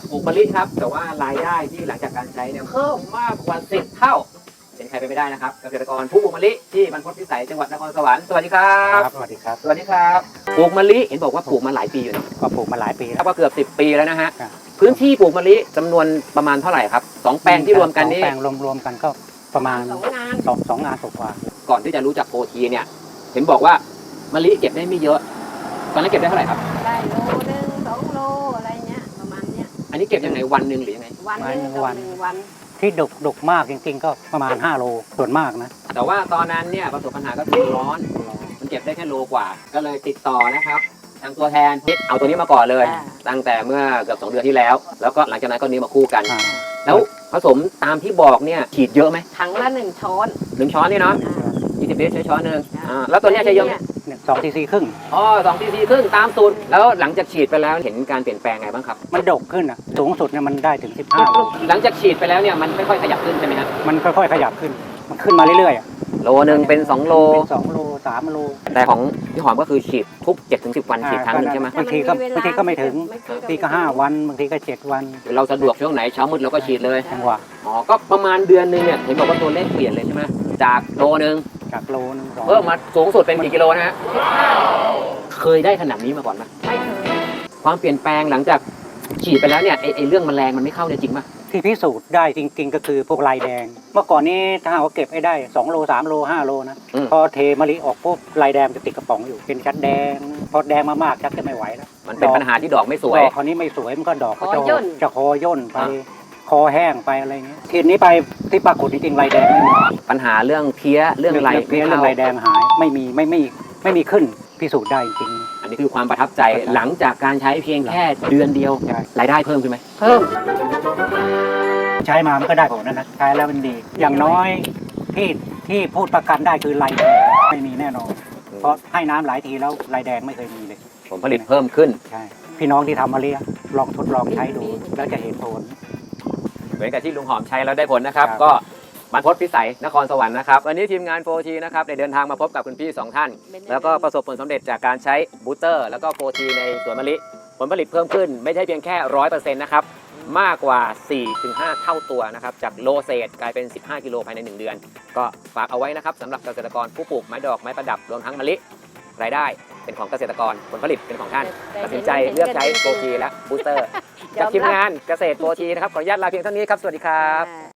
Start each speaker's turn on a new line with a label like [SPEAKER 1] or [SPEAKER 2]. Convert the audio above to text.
[SPEAKER 1] ปลูกมะลิครับแต่ว่ารายได้ที่หลังจากการใช้เนี่ยเพิ่มมากกว่า10เท่าเป็นใครไปไม่ได้นะครับเกษตรกรผู้ปลูกมะลิที่บรรพตพิสัยจังหวัดนครสวรรค์สวัสดีครับ
[SPEAKER 2] สวัสดีครับ
[SPEAKER 1] สวัสดีครับปลูกมะลิเห็นบอกว่าปลูกมาหลายปีอยู่นะ
[SPEAKER 2] ก็ปลูกมาหลายปี
[SPEAKER 1] แล้วก็เกือบ10 ปีแล้วนะฮะ
[SPEAKER 2] ครับ
[SPEAKER 1] พื้นที่ปลูกมะลิจำนวนประมาณเท่าไหร่ครับ2 แปลงที่รวมกันนี่
[SPEAKER 2] แปลงรวมกันก็ประมาณ
[SPEAKER 3] 2 งาน
[SPEAKER 2] 2 งานกว่า
[SPEAKER 1] ก่อนที่จะรู้จักโปรทีเนี่ยเห็นบอกว่ามะลิเก็บได้ไม่เยอะตอนนั้นเก็บได้เท่าไหร่ครับ
[SPEAKER 3] ได้โลนึง2 โลอะไรเงี้ยประมาณเนี้ย
[SPEAKER 1] อันนี้เก็บยังไงวันหนึ่งหรือยังไง
[SPEAKER 3] วันนึงต่อ1 วัน
[SPEAKER 2] ที่ดกมากจริงๆก็ประมาณ5 โลส่วนมากนะ
[SPEAKER 1] แต่ว่าตอนนั้นเนี่ยประสบปัญหาก็คือร้อนมันเก็บได้แค่โลกว่า ก็เลยติดต่อนะครับทางตัวแทนเอาตัวนี้มาก่อนเลย ตั้งแต่เมื่อเกือบ2 เดือนที่แล้ว แล้วก็หลังจากนั้นก็นี้มาคู่กัน
[SPEAKER 2] อ่า
[SPEAKER 1] แล้วผสมตามที่บอกเนี่ยฉีดเยอะไหม
[SPEAKER 3] ถังละ1 ช้อน
[SPEAKER 1] 1 ช้อนนี่เนาะ 20 ลิตรใช้ช้อนหนึ่งแล้วตัวเนี้ยใช้เยอะไหม
[SPEAKER 2] เนี่ย2 cc ครึ่ง
[SPEAKER 1] อ๋อ2 cc ครึ่งตามสูตรแล้วหลังจากฉีดไปแล้วเห็นการเปลี่ยนแปลงไงบ้างครับ
[SPEAKER 2] มันดกขึ้นอ่ะสูงสุดเนี่ยมันได้ถึง15 โล
[SPEAKER 1] หลังจากฉีดไปแล้วเนี่ยมันค่อยๆขยับขึ้นใช่ไหมฮะ
[SPEAKER 2] มันค่อยๆขยับขึ้น มันขึ้นมาเรื่อยๆอ่ะ
[SPEAKER 1] โลนึงเป็น2 โล
[SPEAKER 2] เป็น2 โล 3 โล
[SPEAKER 1] แต่ของพี่หอมก็คือฉีดทุก 7-10 วันฉีดครั้งหนึงใช่ไหม
[SPEAKER 2] บางทีก็ไม่ถึง บางทีก็5 วันบางทีก็7 วัน
[SPEAKER 1] เราสะดวกช่วงไหนเช้ามืดเราก็ฉีดเลย
[SPEAKER 2] จังหวะ
[SPEAKER 1] อ๋อก็ประมาณเดือนนึงเนี่ยเห็นบอกว่าตัวเลขเปลี่ยนเลยใช่ไหมจากโลนึง
[SPEAKER 2] จากโลนึง2
[SPEAKER 1] เพิ่มมาสูงสุดเป็นกี่กิโลนะฮะเคยได้ขนาดนี้มาก่อนไหม
[SPEAKER 3] ไม่เคย
[SPEAKER 1] ความเปลี่ยนแปลงหลังจากฉีดไปแล้วเนี่ยไอ้เรื่องแมลงมันไม่เข้าเนี่ยจริงป่ะ
[SPEAKER 2] ที่พิสูจน์ได้จริงๆก็คือพวกลายแดง เมื่อก่อนนี้ถ้าเราเก็บให้ได้2 โล 3 โล 5 โลนะ พอเทมะลิออกปุ๊บลายแดงจะติดกระป๋องอยู่ เป็นชัดแดง พอแดงมากๆชักจะไม่ไหวแล้ว
[SPEAKER 1] มันเป็นปัญหาที่ดอกไม่สวย
[SPEAKER 2] ดอกคราวนี้ไม่สวยมันก็ดอกก็จะคอย่นไป คอแห้งไปอะไรเงี้ยทีนี้ไปที่ปรากฏจริงๆลายแดงไม่มี
[SPEAKER 1] ปัญหาเรื่องเพี้ยเรื่องอะไร
[SPEAKER 2] เพี้ยเรื่องลายแดงหายไม่มีขึ้นพิสูจน์ได้จริง
[SPEAKER 1] อันนี้คือความประทับใจหลังจากการใช้เพียงแค่เดือนเดียว
[SPEAKER 2] ใช่
[SPEAKER 1] รายได้เพิ่มขึ้นไหม
[SPEAKER 3] เพิ่ม
[SPEAKER 2] ใช้มามันก็ได้ผลนะใช้แล้วมันดี อย่างน้อยที่พูดประกันได้คือลายแดงไม่มีแน่นอน เพราะให้น้ำหลายทีแล้วลายแดงไม่เคยมีเลย
[SPEAKER 1] ผลผลิตเพิ่มขึ้น
[SPEAKER 2] ใช่พี่น้องที่ทำมะลิลองทดลองใช้ดูแล้วจะเห็นผล
[SPEAKER 1] เหมือนกับที่ลุงหอมใช้แล้วได้ผลนะครับ
[SPEAKER 2] ครับ
[SPEAKER 1] ก็บรรพตพิสัยนครสวรรค์นะครับวันนี้ทีมงานโฟทีนะครับได้เดินทางมาพบกับคุณพี่ 2 ท่าน แล้วก็ประสบผลสำเร็จจากการใช้บูสเตอร์แล้วก็โฟทีในสวนมะลิผลผลิตเพิ่มขึ้นไม่ใช่เพียงแค่ 100% นะครับมากกว่า 4-5 เท่าตัวนะครับจากโลเศษกลายเป็น 15 กิโลภายใน 1 เดือน ก็ฝากเอาไว้นะครับสำหรับเกษตรกรผู้ปลูกไม้ดอกไม้ประดับรวมทั้งมะลิรายได้เป็นของเกษตรกรผลผลิตเป็นของท่านตัดสินใจเลือกใช้โฟทีและบูสเตอร์จากทีมงานเกษตรโฟทีนะครับขออนุญาตลาเพียงเท่านี้ครับสวัสดีครับ
[SPEAKER 3] อ่า